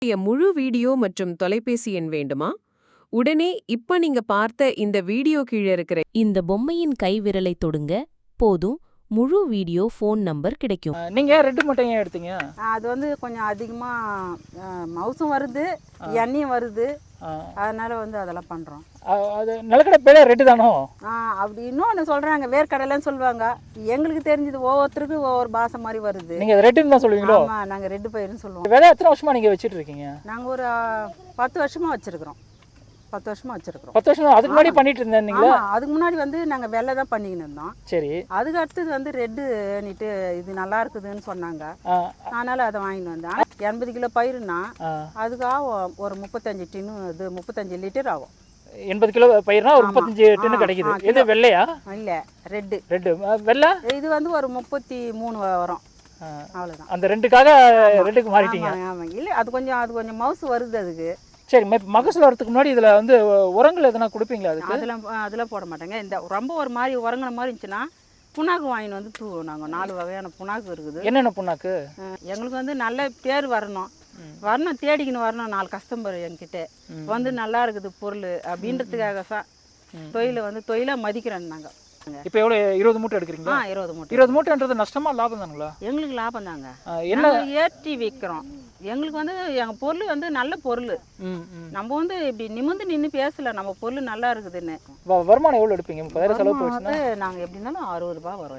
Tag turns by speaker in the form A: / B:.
A: முழு வீடியோ மற்றும் தொலைபேசி எண் வேண்டுமா? உடனே இப்ப நீங்க பார்த்த இந்த வீடியோ கீழே இருக்கிற
B: இந்த பொம்மையின் கைவிரலை தொடுங்க போதும் முழு வீடியோ ஃபோன் நம்பர் கிடைக்கும்.
C: நீங்க ரெட்டு மட்டும் ஏன் எடுத்தீங்க?
D: அது வந்து கொஞ்சம் அதிகமாக மவுசும் வருது, எண்ணெயும் வருது, அதனால வந்து அதெல்லாம் பண்ணுறோம்.
C: அது நிலக்கடை பேர ரெட்டு தானோ?
D: அப்படி இன்னொன்று சொல்கிறாங்க, வேர்க்கடலைன்னு சொல்லுவாங்க. எங்களுக்கு தெரிஞ்சது ஒவ்வொருத்தருக்கும் ஒவ்வொரு பாசை மாதிரி வருது.
C: நீங்கள் ரெட்டுன்னு தான் சொல்லுவீங்களோ?
D: ஆமாம், நாங்கள் ரெட்டு பயிருன்னு சொல்லுவோம்.
C: விதை எத்தனை வருஷமா நீங்கள் வச்சுட்டு இருக்கீங்க?
D: நாங்கள் ஒரு 10 வருஷமாக வச்சுருக்குறோம். 10 வருஷமாக வச்சுருக்குறோம்.
C: 10 வருஷம் அதுக்கு முன்னாடி பண்ணிட்டு இருந்தீங்களா?
D: அதுக்கு முன்னாடி வந்து நாங்கள் வெள்ளை தான் பண்ணிக்கின்னு இருந்தோம்.
C: சரி.
D: அதுக்கு அடுத்தது வந்து ரெட்டுன்னுட்டு இது நல்லா இருக்குதுன்னு சொன்னாங்க. அதனால் அதை வாங்கிட்டு வந்தேன். 80 கிலோ பயிருன்னா அதுக்காக ஒரு 35 டின்னு, இது 35 லிட்டர் ஆகும்.
C: 80 கிலோ பயிர்னா ஒரு 35 டின்னு கிடைக்குது. இது வெள்ளையா?
D: இல்லை, ரெட்டு.
C: ரெட்டு வெள்ளை
D: இது வந்து ஒரு 33 வரும். அவ்வளோதான்.
C: அந்த ரெண்டுக்காக ரெட்டுக்கு மாறிட்டீங்க?
D: ஆமாம். இல்லை, அது கொஞ்சம் மவுசு வருது அதுக்கு.
C: சரி, மகசூல் வரதுக்கு முன்னாடி இதில் வந்து உரங்கள் எதனா கொடுப்பீங்களா? அதுக்கு
D: அதெல்லாம் போட மாட்டேங்க. இந்த ரொம்ப ஒரு மாதிரி உரங்கின மாதிரி இருந்துச்சுன்னா புண்ணாக்கு வாங்கின்னு வந்து தூவோம். நாங்கள் 4 வகையான புண்ணாக்கு இருக்குது.
C: என்னென்ன புண்ணாக்கு?
D: எங்களுக்கு வந்து நல்ல பேர் வரணும், தேடிக்கின்னு வரணும். 4 கஸ்டமர் என்கிட்ட வந்து நல்லா இருக்குது பொருள் அப்படின்றதுக்காக தான் தொழிலை மதிக்கிறோம் நாங்கள்.
C: இப்போ எவ்வளோ? 20 மூட்டை எடுக்கிறீங்களா?
D: 20 மூட்டை.
C: 20 மூட்டைன்றது நஷ்டமா லாபம் தானுங்களா?
D: எங்களுக்கு லாபம் தாங்க.
C: என்ன
D: ஏற்றி விற்கிறோம். எங்களுக்கு வந்து எங்கள் பொருள் வந்து நல்ல பொருள். நம்ம வந்து இப்படி நிமிர்ந்து நின்று பேசல, நம்ம பொருள் நல்லா இருக்குதுன்னு.
C: வருமானம் எவ்வளோ எடுப்பீங்க? 30,000 செலவு போச்சுன்னா
D: நாங்கள் எப்படி இருந்தாலும் 60 ரூபா வரும்.